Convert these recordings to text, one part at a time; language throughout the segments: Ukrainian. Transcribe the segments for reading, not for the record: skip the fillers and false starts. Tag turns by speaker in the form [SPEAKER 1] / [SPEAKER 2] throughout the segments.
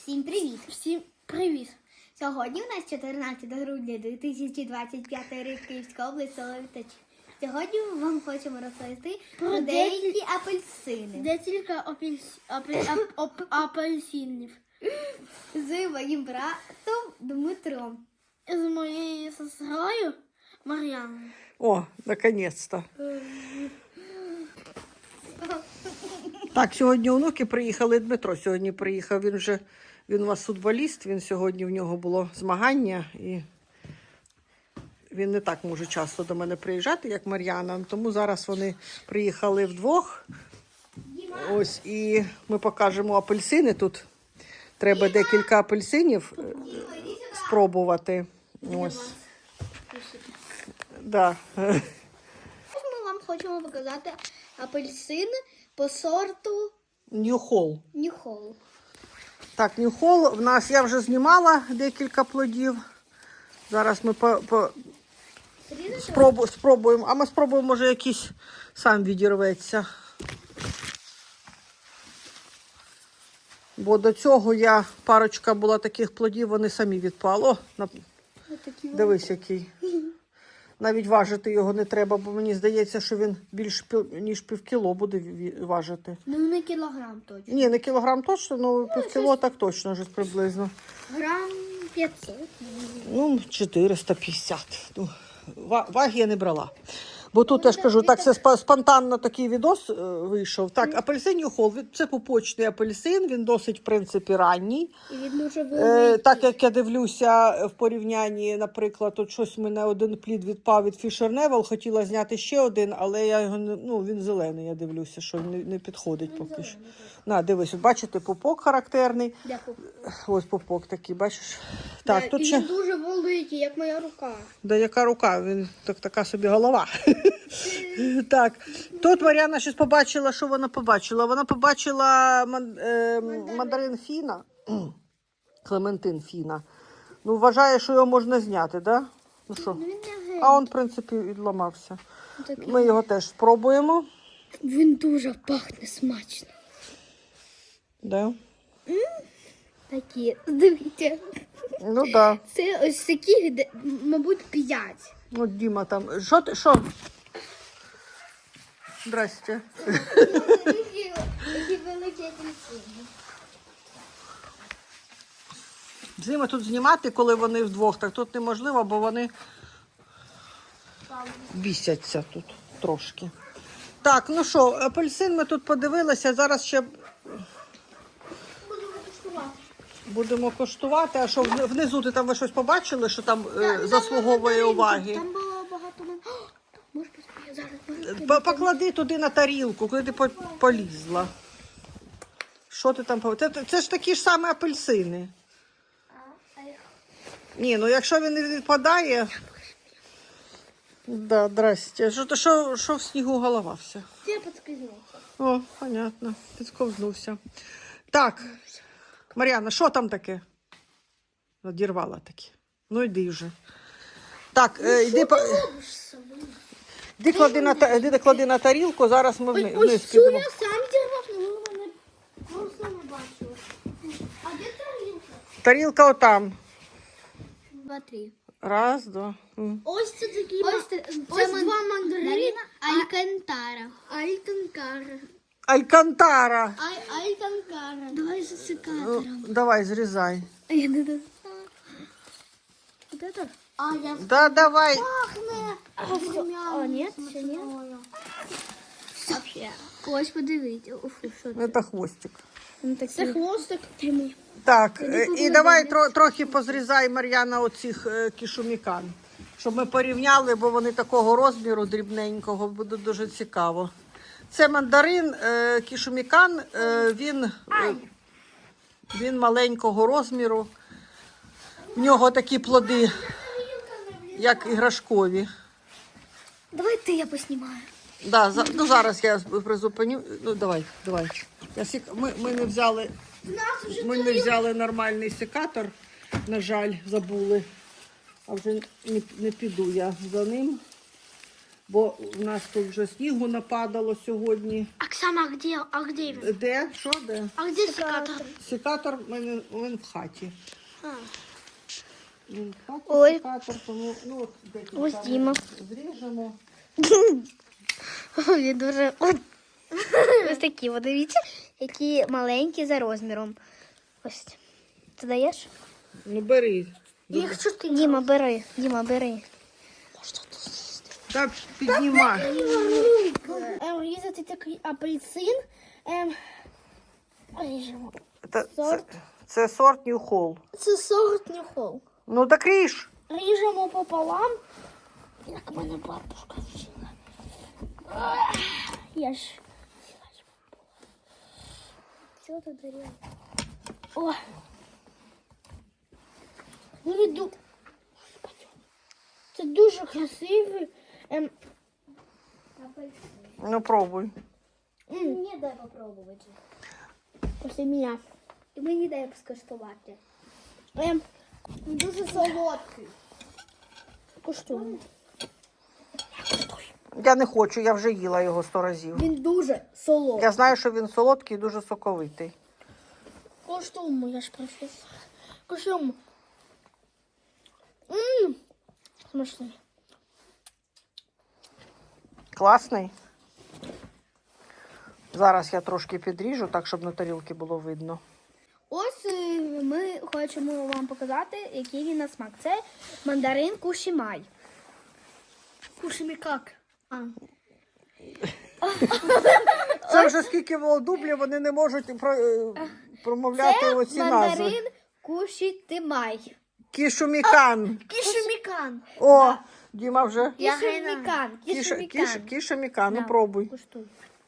[SPEAKER 1] Всім привіт!
[SPEAKER 2] Всім привіт!
[SPEAKER 1] Сьогодні у нас 14 грудня 2025 рік, Київська область, село Вітач. Сьогодні ми вам хочемо розповісти про деякі апельсини.
[SPEAKER 2] Декілька апельсинів.
[SPEAKER 1] З моїм братом Дмитром.
[SPEAKER 2] З моєю сестрою Мар'яною.
[SPEAKER 3] О, наконец-то. Так, сьогодні онуки приїхали. Дмитро сьогодні приїхав. Він у вас футболіст, сьогодні в нього було змагання. І він не так може часто до мене приїжджати, як Мар'яна. Тому зараз вони приїхали вдвох. Ось, і ми покажемо апельсини. Тут треба декілька апельсинів спробувати. Ось. Да.
[SPEAKER 1] Ми вам хочемо показати апельсин по сорту
[SPEAKER 3] Нью-Холл.
[SPEAKER 1] Нью-Холл.
[SPEAKER 3] Так, Нью-Холл в нас, я вже знімала декілька плодів. Зараз ми спробуємо, а ми спробуємо, може якийсь сам відірветься. Бо до цього парочка була таких плодів, вони самі відпали. О, дивись який. Навіть важити його не треба, бо мені здається, що він більш ніж півкіло буде важити.
[SPEAKER 1] Ну, не кілограм точно.
[SPEAKER 3] Ні, не кілограм точно, але півкіло так точно вже приблизно.
[SPEAKER 1] Грам 500.
[SPEAKER 3] Ну, 450. Ну, ваги я не брала. Бо тут, я ж кажу, так це спонтанно такий відос вийшов. Так, апельсин Нью-Холл, це пупочний апельсин, він досить, в принципі, ранній.
[SPEAKER 1] І він дуже великий.
[SPEAKER 3] Так, як я дивлюся в порівнянні, наприклад, от щось в мене один плід відпав від Fisher Neville, хотіла зняти ще один, але я його, він зелений, я дивлюся, що не підходить поки що. На, дивись, от бачите, пупок характерний.
[SPEAKER 1] Дякую.
[SPEAKER 3] Ось пупок такий, бачиш? Так, тут ще...
[SPEAKER 1] Він дуже великий, як моя рука.
[SPEAKER 3] Да яка рука? Він така собі голова. Так, тут Мар'яна щось побачила, що вона побачила? Вона побачила мандарин Фіна, Клементин Фіна. Ну, вважає, що його можна зняти, да? Ну що? А він, в принципі, відламався. Ми його теж спробуємо.
[SPEAKER 1] Він дуже пахне смачно.
[SPEAKER 3] Да?
[SPEAKER 1] Такі, дивіться.
[SPEAKER 3] Ну, да.
[SPEAKER 1] Це ось таких, мабуть, 5.
[SPEAKER 3] Ну, Діма там. Що? Здрасте.
[SPEAKER 1] Такі великі апельсини.
[SPEAKER 3] З ними тут знімати, коли вони вдвох, так тут неможливо, бо вони бісяться тут трошки. Так, ну що, апельсин ми тут подивилися, зараз ще будемо коштувати. А що, внизу ти там ви щось побачили, що там заслуговує уваги?
[SPEAKER 1] Там було багато... Може, зараз...
[SPEAKER 3] Поклади туди на тарілку, куди ти полізла. Що ти там? Це ж такі ж самі апельсини. Ні, ну якщо він не відпадає... Да, здрасте. Що в снігу голова вся?
[SPEAKER 1] Я підскизнувся.
[SPEAKER 3] О, понятно, підсковзнувся. Так, Мар'яна, що там таке? Одірвала таке. Ну йди вже. Так, йди клади на тарілку, зараз ми вниз підемо.
[SPEAKER 1] Я сам дірвав, але мене просто не бачила. А де тарілка?
[SPEAKER 3] Тарілка отам.
[SPEAKER 1] 2, 3.
[SPEAKER 3] Раз, два.
[SPEAKER 1] Ось це такі... Ось два мандарина. Алькантара.
[SPEAKER 3] Алькантара.
[SPEAKER 1] Алькантара. Давай з секатором.
[SPEAKER 3] Давай, зрізай.
[SPEAKER 1] Я не достала. Вот это? А, я...
[SPEAKER 3] Да, давай.
[SPEAKER 1] Пахне. А, нет? Ще нет? Вообще. Ось, подивіться.
[SPEAKER 3] Це хвостик.
[SPEAKER 1] Це хвостик прямий.
[SPEAKER 3] Так, і давай трохи позрізай, Мар'яна, оцих кішумікан, щоб ми порівняли, бо вони такого розміру дрібненького, буде дуже цікаво. Це мандарин, кішумікан, він маленького розміру. В нього такі плоди, як іграшкові.
[SPEAKER 1] Давай я поснімаю.
[SPEAKER 3] Да, ну зараз я призупиню. Ну, давай. Ми не взяли нормальний секатор, на жаль, забули. А вже не піду я за ним. бо в нас тут вже снігу нападало сьогодні.
[SPEAKER 2] Оксана, а где він?
[SPEAKER 3] Де? Що де?
[SPEAKER 2] А где секатор?
[SPEAKER 3] Секатор він в хаті.
[SPEAKER 2] А.
[SPEAKER 3] Він в хаті
[SPEAKER 1] Ой.
[SPEAKER 3] секатор, тому ну, от декілька
[SPEAKER 1] Ось
[SPEAKER 3] ми
[SPEAKER 1] Діма.
[SPEAKER 3] зріжемо.
[SPEAKER 1] Він дуже ось такі, от дивіться, які маленькі за розміром. Ось. Ти даєш?
[SPEAKER 3] Ну бери.
[SPEAKER 2] Їх 4.
[SPEAKER 1] Діма, бери. Діма, бери.
[SPEAKER 3] Так, піднімай.
[SPEAKER 2] Різати такий апельсин. Ріжемо.
[SPEAKER 3] Це сорт Нью-Холл.
[SPEAKER 2] Це сорт Нью-Холл.
[SPEAKER 3] Ну так ріж.
[SPEAKER 2] Ріжемо пополам. Як мене бабушка вчила. Я ж.
[SPEAKER 1] Що ти дарила?
[SPEAKER 2] О. Виведу. Це дуже красивий.
[SPEAKER 3] Ну пробуй.
[SPEAKER 1] Мені дай попробувати.
[SPEAKER 2] Після мене.
[SPEAKER 1] І мені дай скуштувати.
[SPEAKER 2] Дуже солодкий. Куштуємо.
[SPEAKER 3] Я не хочу, я вже їла його 100 разів.
[SPEAKER 2] Він дуже солодкий.
[SPEAKER 3] Я знаю, що він солодкий і дуже соковитий.
[SPEAKER 2] Куштуємо, я ж професор. Куштуємо. Смачний.
[SPEAKER 3] Класний. Зараз я трошки підріжу, так, щоб на тарілці було видно.
[SPEAKER 1] Ось ми хочемо вам показати, який він на смак. Це мандарин кушімай.
[SPEAKER 2] Кушаємо як?
[SPEAKER 3] Це вже скільки володублів, вони не можуть промовляти
[SPEAKER 1] Це
[SPEAKER 3] оці назви.
[SPEAKER 1] мандарин кушітимай.
[SPEAKER 3] Кішумікан.
[SPEAKER 2] Кішемікан.
[SPEAKER 3] О, Діма вже.
[SPEAKER 1] Кішумікан. Кішумікан.
[SPEAKER 3] Кішумікан, ну
[SPEAKER 1] Да.
[SPEAKER 3] пробуй.
[SPEAKER 1] Куштуй.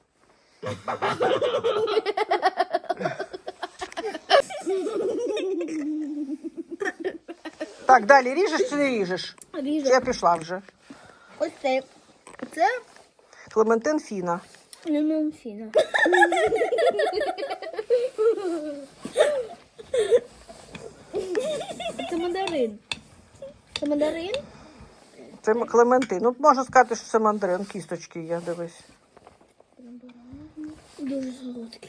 [SPEAKER 3] Так, далі ріжеш чи не ріжеш?
[SPEAKER 1] Ріжу.
[SPEAKER 3] Чи я пішла вже?
[SPEAKER 1] Ось це. Це
[SPEAKER 3] Клементин Фіна.
[SPEAKER 1] лимонфіна. Це мандарин. Це мандарин?
[SPEAKER 3] Це клементин. Ну, можна сказати, що це мандарин. Кісточки є, дивись.
[SPEAKER 2] Дуже солодкий.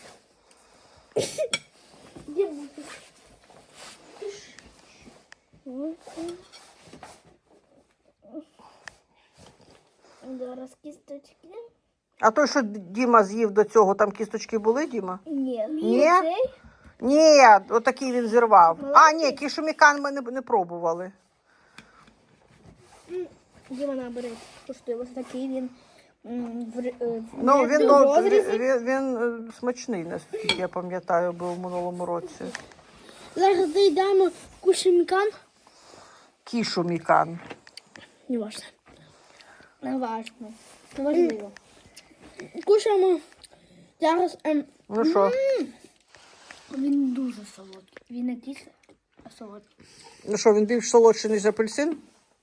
[SPEAKER 1] Зараз кісточки.
[SPEAKER 3] А той, що Діма з'їв до цього, там кісточки були, Діма?
[SPEAKER 1] Ні.
[SPEAKER 3] Ні?
[SPEAKER 1] Цей?
[SPEAKER 3] Ні, отакий він зірвав. А, ні, кішумікан ми не пробували.
[SPEAKER 1] Діма набере. Коштує ось такий він.
[SPEAKER 3] Ну, він,
[SPEAKER 1] в розрізі.
[SPEAKER 3] він смачний, наскільки я пам'ятаю, був в минулому році.
[SPEAKER 2] Зараз доїдаємо кушемікан.
[SPEAKER 3] Кішумікан.
[SPEAKER 2] Не важно.
[SPEAKER 1] Не важно. Не важливо.
[SPEAKER 2] Кушаємо. Зараз
[SPEAKER 3] Ну що?
[SPEAKER 1] Він дуже солодкий. Він не кислий, а солодкий.
[SPEAKER 3] Ну що, він більш солодший, ніж апельсин?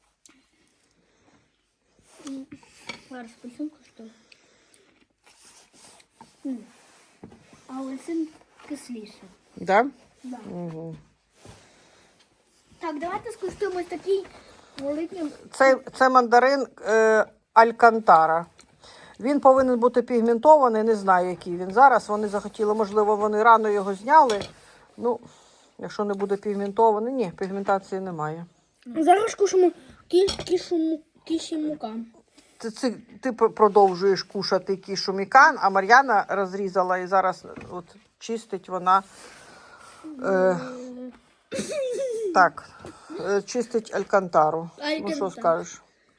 [SPEAKER 1] Зараз апельсин коштує. А апельсин кисліше.
[SPEAKER 3] Да?
[SPEAKER 1] Да.
[SPEAKER 3] Угу.
[SPEAKER 1] Так, давайте скуштуємо ось такий великий.
[SPEAKER 3] Це мандарин Алькантара. Він повинен бути пігментований, не знаю, який він зараз. Вони захотіли, можливо, вони рано його зняли. Ну, якщо не буде пігментований, ні, пігментації немає.
[SPEAKER 2] Зараз кушаємо кішемікан.
[SPEAKER 3] Ти продовжуєш кушати кішумікан, а Мар'яна розрізала і зараз от чистить вона. Так, чистить Алькантару. Ну, що
[SPEAKER 2] Алькантару.
[SPEAKER 3] скажеш?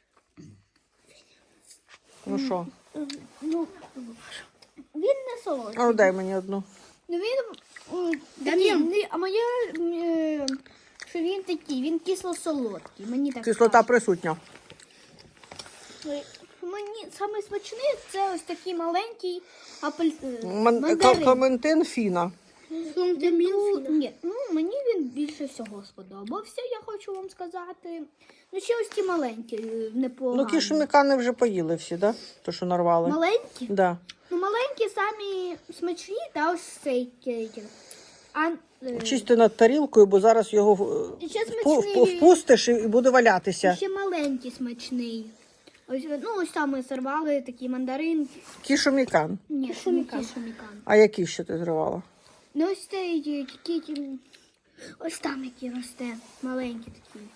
[SPEAKER 3] Ну що?
[SPEAKER 1] Ну, він не солодкий.
[SPEAKER 3] Ну, дай мені одну.
[SPEAKER 1] Ну він такий, а моє, що він такий, він кисло-солодкий. Мені так
[SPEAKER 3] Кислота присутня.
[SPEAKER 1] кажуть. Мені саме смачний це ось такий маленький мандарин.
[SPEAKER 3] Клементин Фіна.
[SPEAKER 1] Ні, ну мені він більше всього сподобався, я хочу вам сказати. Ну ще ось ті маленькі, непогані.
[SPEAKER 3] Ну, кішумікани вже поїли всі, да? То, що нарвали.
[SPEAKER 1] Маленькі?
[SPEAKER 3] Да.
[SPEAKER 1] Ну маленькі самі смачні, та ось цей кейкер.
[SPEAKER 3] Чисти над тарілкою, бо зараз його
[SPEAKER 1] Ще смачний.
[SPEAKER 3] впустиш і буде валятися.
[SPEAKER 1] Ще маленький смачний. Ось там ми сорвали такі мандаринки.
[SPEAKER 3] Кішумікан.
[SPEAKER 1] Ні,
[SPEAKER 2] Кішумікан.
[SPEAKER 1] кішумікан.
[SPEAKER 3] А які ще ти зривала?
[SPEAKER 1] Ну ось цей, ось там який росте, маленький такий.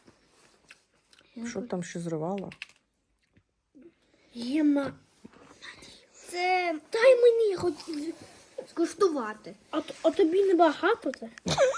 [SPEAKER 3] Що там ще зривала?
[SPEAKER 2] Єма.
[SPEAKER 1] Це
[SPEAKER 2] Дай мені хоч.
[SPEAKER 1] скуштувати.
[SPEAKER 2] А тобі не багато це?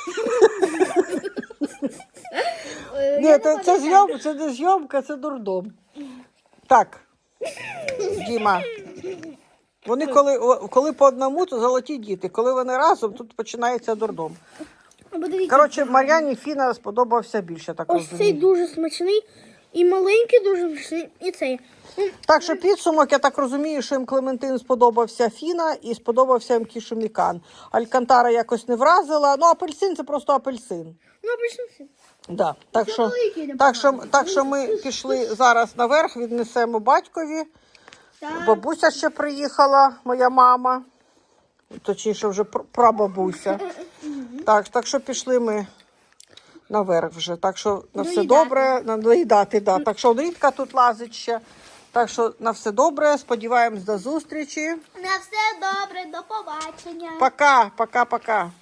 [SPEAKER 3] Ні, це не зйомка, це дурдом. Так, Діма. Вони коли по одному, то золоті діти. Коли вони разом, тут починається дурдом. Коротше, Мар'яні Фіна сподобався більше, так
[SPEAKER 2] Ось цей
[SPEAKER 3] розумію.
[SPEAKER 2] дуже смачний. І маленький дуже смачний, і цей.
[SPEAKER 3] Так що підсумок, я так розумію, що їм Клементин сподобався Фіна і сподобався їм Кішумікан. Алькантара якось не вразила. Ну, апельсин це просто апельсин.
[SPEAKER 2] Ну, обично все.
[SPEAKER 3] Да. Так, що,
[SPEAKER 1] великий,
[SPEAKER 3] так що ми пішли зараз наверх, віднесемо батькові.
[SPEAKER 1] Так.
[SPEAKER 3] Бабуся ще приїхала, моя мама. Точніше, вже прабабуся. Так що пішли ми наверх вже. Так що на все
[SPEAKER 1] Доїдати.
[SPEAKER 3] добре, доїдати, да. Так що Рідка тут лазить ще. Так що на все добре, сподіваємось до зустрічі.
[SPEAKER 1] На все добре, до побачення.
[SPEAKER 3] Пока.